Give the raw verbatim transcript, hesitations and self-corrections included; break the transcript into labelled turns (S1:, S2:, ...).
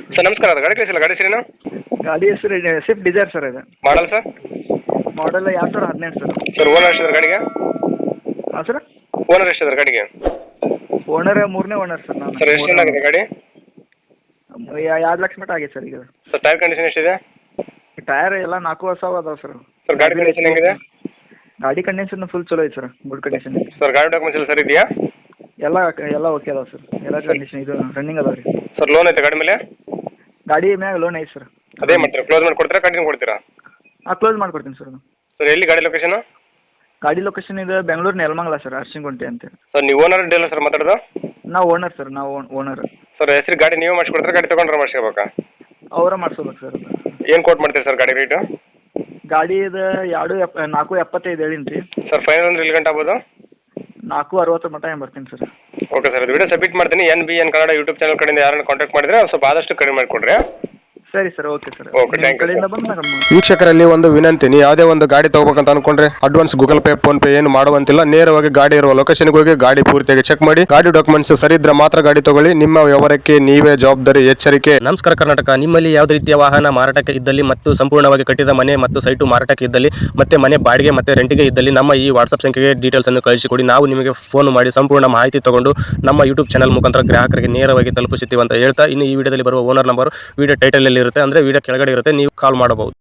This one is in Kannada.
S1: ಸರ್ ನಮಸ್ಕಾರ, ಅದು ಗಾಡಿ ಕಳಿಸಿಲ್ಲ, ಗಾಡಿ ಹೆಸರೇನು?
S2: ಗಾಡಿ ಹೆಸರು ಸ್ವಿಫ್ಟ್ ಡಿಸೈರ್ ಸರ್ ಇದು.
S1: Model sir?
S2: ಮಾಡಲ್ ಎರಡು ಸಾವಿರದ ಹದಿನೆಂಟು ಸರ್.
S1: ಸರ್ ಓನರ್ ಎಷ್ಟಿದ್ದಾರೆ ಗಾಡಿಗೆ?
S2: ಹಾಂ ಸರ್.
S1: ಓನರ್ ಎಷ್ಟಿದ್ದಾರೆ ಗಾಡಿಗೆ?
S2: ಓನರ್ ಮೂರನೇ ಓನರ್ ಸರ್ ನಾನು.
S1: ಸರ್ ಎಷ್ಟು ಚೆನ್ನಾಗಿದೆ ಗಾಡಿ?
S2: ಎರಡು ಲಕ್ಷ ಮಟ್ಟ ಆಗೈತೆ ಸರ್ ಈಗ.
S1: ಸರ್ ಟೈರ್ ಕಂಡೀಷನ್ ಎಷ್ಟಿದೆ?
S2: ಟೈರ್ ಎಲ್ಲ ನಾಲ್ಕು ವರ್ಷ ಅದಾವೆ ಸರ್.
S1: ಸರ್ ಗಾಡಿ ಕಂಡೀಷನ್ ಹೆಂಗಿದೆ?
S2: ಗಾಡಿ ಕಂಡೀಷನ್ ಫುಲ್ ಚಲೋ ಐತೆ ಸರ್, ಗುಡ್ ಕಂಡೀಷನ್.
S1: ಸರ್ ಗಾಡಿ ಡಾಕ್ಯುಮೆಂಟ್ಸ್ ಎಲ್ಲ ಸರ್ ಇದೆಯಾ?
S2: ಎಲ್ಲ ಎಲ್ಲ ಓಕೆ ಅದಾವೆ ಸರ್, ಎಲ್ಲ ಕಂಡೀಷನ್ ಇದು ರನ್ನಿಂಗ್ ಅದಾವೆ ರೀ.
S1: ಸರ್ ಲೋನ್ ಐತೆ ಗಾಡಿ ಮೇಲೆ?
S2: ಗಾಡಿ ಮ್ಯಾಗ ಲೋನ್ ಐತೆ ಸರ್.
S1: ಅದೇ ಮಾಡ್ತೀರಾ, ಕ್ಲೋಸ್ ಮಾಡಿ ಕೊಡ್ತೀರಾ, ಕಂಟಿನ್ಯೂ ಕೊಡ್ತೀರಾ?
S2: ಹಾಂ ಕ್ಲೋಸ್ ಮಾಡ್ಕೊಡ್ತೀನಿ ಸರ್.
S1: ಸರ್ ಎಲ್ಲಿ ಗಾಡಿ ಲೊಕೇಶನ್?
S2: ಗಾಡಿ ಲೊಕೇಶನ್ ಇದು ಬೆಂಗಳೂರು ನೆಲಮಂಗಲ ಸರ್, ಅರ್ಶಿಂಗುಂಟೆ ಅಂತೇಳಿ.
S1: ಸರ್ ನೀವು ಓನರ್ ಡೀಲರ್ ಸರ್ ಮಾತಾಡೋದು?
S2: ನಾವು ಓನರ್ ಸರ್, ನಾವು ಓನರ್.
S1: ಸರ್ ಹೆಸರು ಗಾಡಿ ನೀವು ಮಾಡಿಸ್ಕೊಡ್ತಾರೆ, ಗಾಡಿ ತೊಗೊಂಡ್ರೆ ಮಾಡಿಸ್ಕೋಬೇಕಾ?
S2: ಅವರ ಮಾಡಿಸ್ಕೋಬೇಕು ಸರ್.
S1: ಏನು ಕೋಟ್ ಮಾಡ್ತೀರಿ ಸರ್ ಗಾಡಿ ರೇಟು?
S2: ಗಾಡಿ ಇದು ಎರಡು ಎಪ್ಪ ನಾಲ್ಕು ಎಪ್ಪತ್ತೈದು ಹೇಳಿನಿ ರೀ.
S1: ಸರ್ ಫೈನಲ್ ಅಂದ್ರೆ ಇಲ್ಲಿ ಗಂಟೆ ಆಗ್ಬೋದು?
S2: ನಾಲ್ಕು ಅರವತ್ತು ಮಟ್ಟ ಏನು ಬರ್ತೀನಿ ಸರ್.
S1: ಓಕೆ ಸರ್, ಅದು ವಿಡಿಯೋ ಸಬ್ಮಿಟ್ ಮಾಡ್ತೀನಿ. N B N Kannada YouTube channel ಕಡೆಯಿಂದ ಯಾರನ್ನು ಕಾಂಟ್ಯಾಕ್ಟ್ ಮಾಡಿದ್ರೆ ಸ್ವಲ್ಪ ಆದಷ್ಟು ಕಡಿಮೆ ಮಾಡಿಕೊಡ್ರಿ.
S2: ಸರಿ sir, okay sir.
S1: Okay, thank you.
S2: ಕಡೆಯಿಂದ ಬಂದು ನಮ್ಮ
S3: ವೀಕ್ಷಕರಲ್ಲಿ ಒಂದು ವಿನಂತಿ, ನೀವು ಯಾವುದೇ ಒಂದು ಗಾಡಿ ತಗೋಬೇಕಂತ ಅನ್ಕೊಂಡ್ರೆ advance Google Pay PhonePe ಏನು ಮಾಡುವಂತಿಲ್ಲ. ನೇರವಾಗಿ ಗಾಡಿ ಇರುವ ಲೊಕೇಶನ್ಗೆ ಹೋಗಿ ಗಾಡಿ ಪೂರ್ತಿಯಾಗಿ ಚೆಕ್ ಮಾಡಿ, ಗಾಡಿ ಡಾಕ್ಯುಮೆಂಟ್ಸ್ ಸರಿ ಇದ್ರೆ ಮಾತ್ರ ಗಾಡಿ ತಗೊಳ್ಳಿ. ನಿಮ್ಮ ವ್ಯವಹಾರಕ್ಕೆ ನೀವೇ ಜವಾಬ್ದಾರಿ. ಎಚ್ಚರಿಕೆ.
S4: ನಮಸ್ಕಾರ ಕರ್ನಾಟಕ. ನಿಮ್ಮಲ್ಲಿ ಯಾವುದೇ ರೀತಿಯ ವಾಹನ ಮಾರಾಟಕ್ಕೆ ಇದ್ದಲ್ಲಿ ಮತ್ತು ಸಂಪೂರ್ಣವಾಗಿ ಕಟ್ಟಿದ ಮನೆ ಮತ್ತು ಸೈಟು ಮಾರಾಟಕ್ಕೆ ಇದ್ದಲ್ಲಿ ಮತ್ತೆ ಮನೆ ಬಾಡಿಗೆ ಮತ್ತು ರೆಂಟಿಗೆ ಇದ್ದಲ್ಲಿ ನಮ್ಮ ಈ ವಾಟ್ಸ್ಆಪ್ ಸಂಖ್ಯೆಗೆ ಡೀಟೇಲ್ಸ್ ಅನ್ನು ಕಳಿಸಿಕೊಡಿ. ನಾವು ನಿಮಗೆ ಫೋನ್ ಮಾಡಿ ಸಂಪೂರ್ಣ ಮಾಹಿತಿ ತಗೊಂಡು ನಮ್ಮ ಯೂಟ್ಯೂಬ್ ಚಾನಲ್ ಮುಖಾಂತರ ಗ್ರಾಹಕರಿಗೆ ನೇರವಾಗಿ ತಲುಪಿಸುತ್ತೀವಿ ಅಂತ ಹೇಳ್ತಾ, ಇನ್ನು ಈ ವಿಡಿಯೋದಲ್ಲಿ ಬರುವ ಓನರ್ ನಂಬರ್ ವಿಡಿಯೋ ಟೈಟಲ್ ಅಲ್ಲಿ ಇರುತ್ತೆ, ಅಂದ್ರೆ ವಿಡಿಯೋ ಕೆಳಗಡೆ ಇರುತ್ತೆ, ನೀವು ಕಾಲ್ ಮಾಡಬಹುದು.